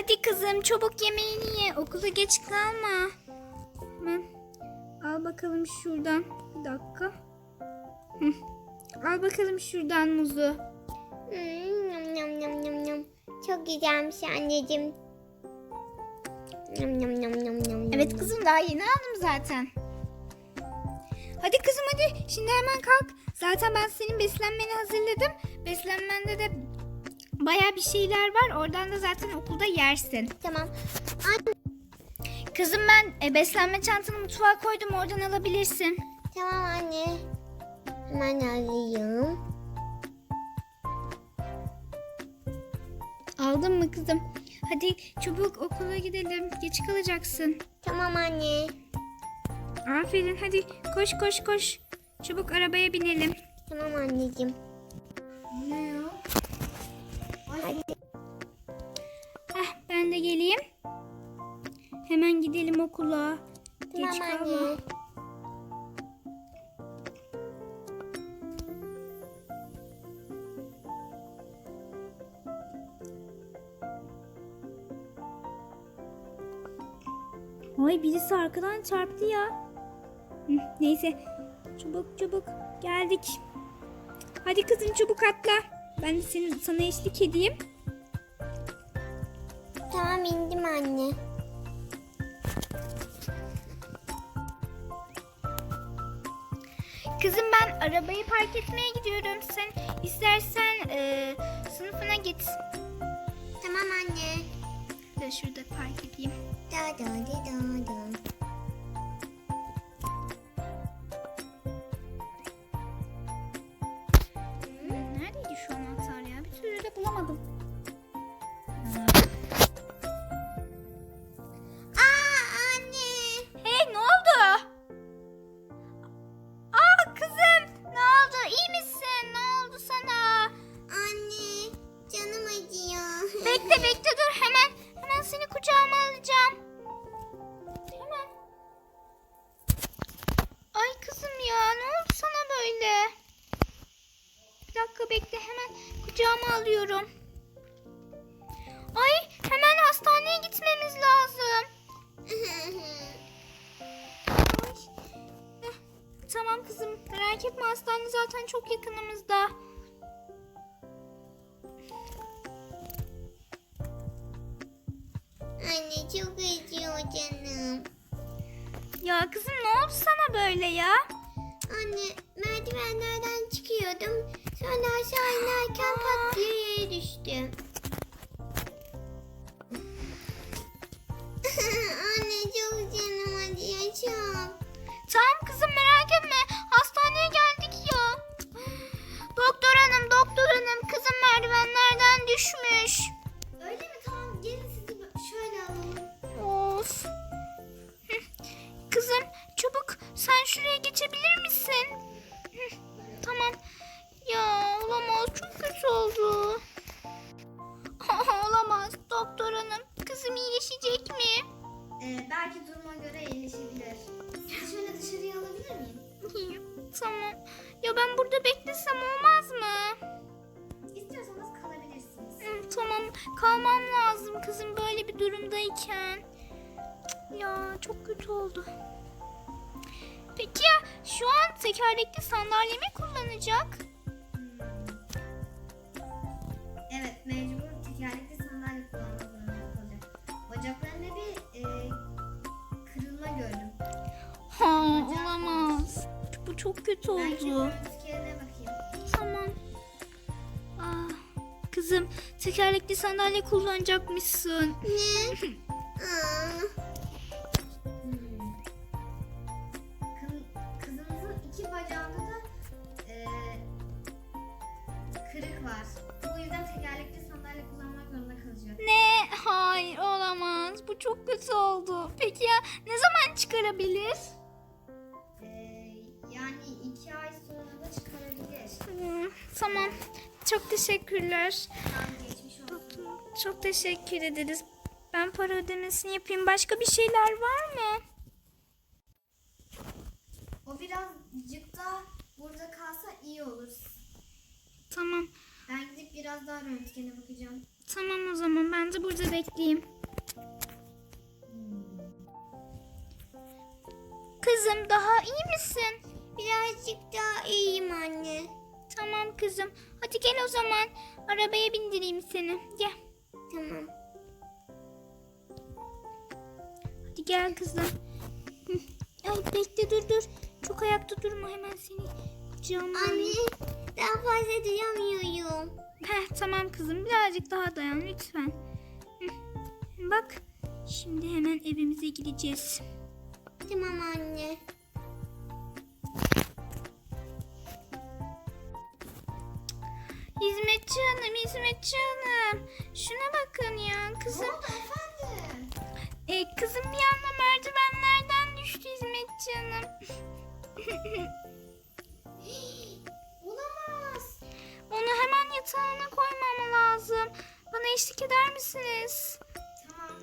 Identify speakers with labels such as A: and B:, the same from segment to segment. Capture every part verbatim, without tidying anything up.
A: Hadi kızım çabuk yemeğini ye. Okula geç kalma. Hemen al bakalım şuradan. Bir dakika. Hı. Al bakalım şuradan muzu.
B: Hmm, yum, yum, yum, yum, yum. Çok güzelmiş anneciğim. Yum, yum, yum, yum, yum.
A: Evet kızım daha yeni aldım zaten. Hadi kızım hadi. Şimdi hemen kalk. Zaten ben senin beslenmeni hazırladım. Beslenmende de baya bir şeyler var. Oradan da zaten okulda yersin.
B: Tamam. Anne.
A: Kızım ben e, beslenme çantanı mutfağa koydum. Oradan alabilirsin.
B: Tamam anne. Hemen alayım.
A: Aldın mı kızım? Hadi çabuk okula gidelim. Geç kalacaksın.
B: Tamam anne.
A: Aferin hadi koş koş koş. Çabuk arabaya binelim.
B: Tamam anneciğim.
A: Ne ya?
B: Hadi.
A: Heh, ben de geleyim. Hemen gidelim okula. Geç
B: Tamam
A: kalma.
B: anne.
A: Ay birisi arkadan çarptı ya. Hı, neyse. Çabuk çabuk geldik. Hadi kızım çabuk atla. Ben de senin, sana eşlik edeyim.
B: Tamam indim anne.
A: Kızım ben arabayı park etmeye gidiyorum. Sen istersen e, sınıfına git.
B: Tamam anne.
A: Ben şurada park edeyim.
B: Da da da da da.
A: Neredeydi şu anahtar ya? Bir türlü de bulamadım.
B: Aa anne.
A: Hey ne oldu? Aa kızım ne oldu? İyi misin? Ne oldu sana?
B: Anne. Canım acıyor.
A: Bekle bekle dur hemen. Hemen seni kucağıma alacağım. Hemen. Ay kızım ya ne oldu sana böyle? Bir dakika bekle hemen kucağıma alıyorum. Ay hemen hastaneye gitmemiz lazım. Ay. Heh, tamam kızım merak etme hastane zaten çok yakınımızda.
B: Anne çok acıyor canım.
A: Ya kızım ne oldu sana böyle ya?
B: Anne merdivenlerden çıkıyordum. Sonra aşağı inerken pat diye yere düştüm. Anne çok canım acıyor çok.
A: Tamam kızım merak etme. Hastaneye geldik ya. Doktor hanım, doktor hanım. Kızım merdivenlerden düşmüş.
B: Öyle mi? Tamam gelin sizi şöyle alalım.
A: Of. Hı. Kızım çabuk sen şuraya geçebilir misin? Hı. Tamam. Ya olamaz çok kötü oldu. Olamaz doktor hanım. Kızım iyileşecek mi?
B: Ee, belki duruma göre iyileşebilir. Sizi şöyle dışarıya alabilir miyim?
A: Tamam. Ya ben burada beklesem olmaz mı?
B: İstiyorsanız kalabilirsiniz.
A: Hı, tamam kalmam lazım kızım böyle bir durumdayken. Cık, ya çok kötü oldu. Peki ya şu an tekerlekli sandalye mi kullanacak?
B: Evet, mecbur tekerlekli sandalye kullanmak zorunda kalacak. Bacaklarında bir e, kırılma gördüm.
A: Ha olamaz. Bu çok kötü
B: Belki
A: oldu.
B: görüntülerine bakayım.
A: Tamam. Ah, kızım tekerlekli sandalye kullanacakmışsın.
B: Ne? Aa. Hmm. Kız- Kızımızın iki bacağında da e, kırık var. Bu yüzden tekerlekli sandalye kullanmak zorunda kalacak.
A: Ne? Hayır olamaz. Bu çok kötü oldu. Peki ya ne zaman çıkarabilir?
B: E, yani iki ay sonra da çıkarabilir.
A: Hmm, tamam. Çok teşekkürler.
B: Tam geçmiş olsun.
A: Çok teşekkür ederiz. Ben para ödemesini yapayım. Başka bir şeyler var mı?
B: O birazcık da burada kalsa iyi olur.
A: Tamam.
B: Ben gidip biraz daha röntgene bakacağım.
A: Tamam o zaman ben de burada bekleyeyim. Kızım daha iyi misin?
B: Birazcık daha iyiyim anne.
A: Tamam kızım. Hadi gel o zaman. Arabaya bindireyim seni. Gel.
B: Tamam.
A: Hadi gel kızım. Hı. Ay bekle dur dur. Çok ayakta durma hemen seni kucağıma alayım.
B: Anne daha fazla duyamıyorum.
A: Heh, tamam kızım birazcık daha dayan lütfen. Hı. Bak şimdi hemen evimize gideceğiz.
B: Tamam anne.
A: Hizmetçi hanım, hizmetçi hanım. Şuna bakın ya kızım.
B: efendim?
A: E, kızım bir anda merdivenlerden düştü hizmetçi hanım.
B: Olamaz.
A: Onu hemen yatağına koymam lazım. Bana eşlik eder misiniz?
B: Tamam.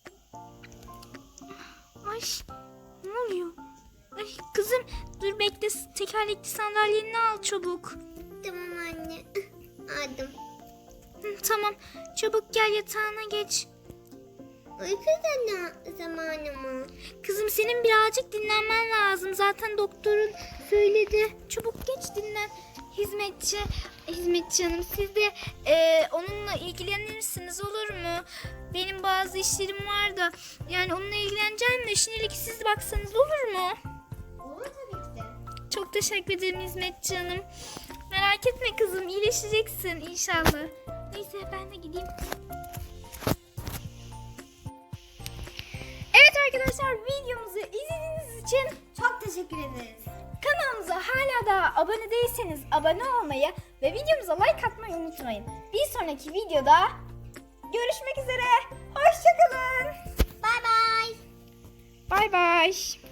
A: Ay ne oluyor? Ay kızım dur bekle tekerlekli sandalyeni al çabuk.
B: Tamam anne. Aldım.
A: Hı, tamam çabuk gel yatağına geç.
B: Uyku da zamanı mı?
A: Kızım senin birazcık dinlenmen lazım. Zaten doktorun söyledi. Çabuk geç dinlen. Hizmetçi, hizmetçi hanım siz de e, onunla ilgilenirsiniz olur mu? Benim bazı işlerim var da yani onunla ilgileneceğim de şimdilik siz baksanız olur mu?
B: Olur tabii ki de.
A: Çok teşekkür ederim hizmetçi hanım. Merak etme kızım iyileşeceksin inşallah. Neyse ben de gideyim. Evet arkadaşlar videomuzu izlediğiniz için
B: Çok teşekkür ederiz.
A: kanalımıza hala daha abone değilseniz abone olmayı ve videomuza like atmayı unutmayın. Bir sonraki videoda görüşmek üzere. Hoşçakalın.
B: Bay bay.
A: Bay bay.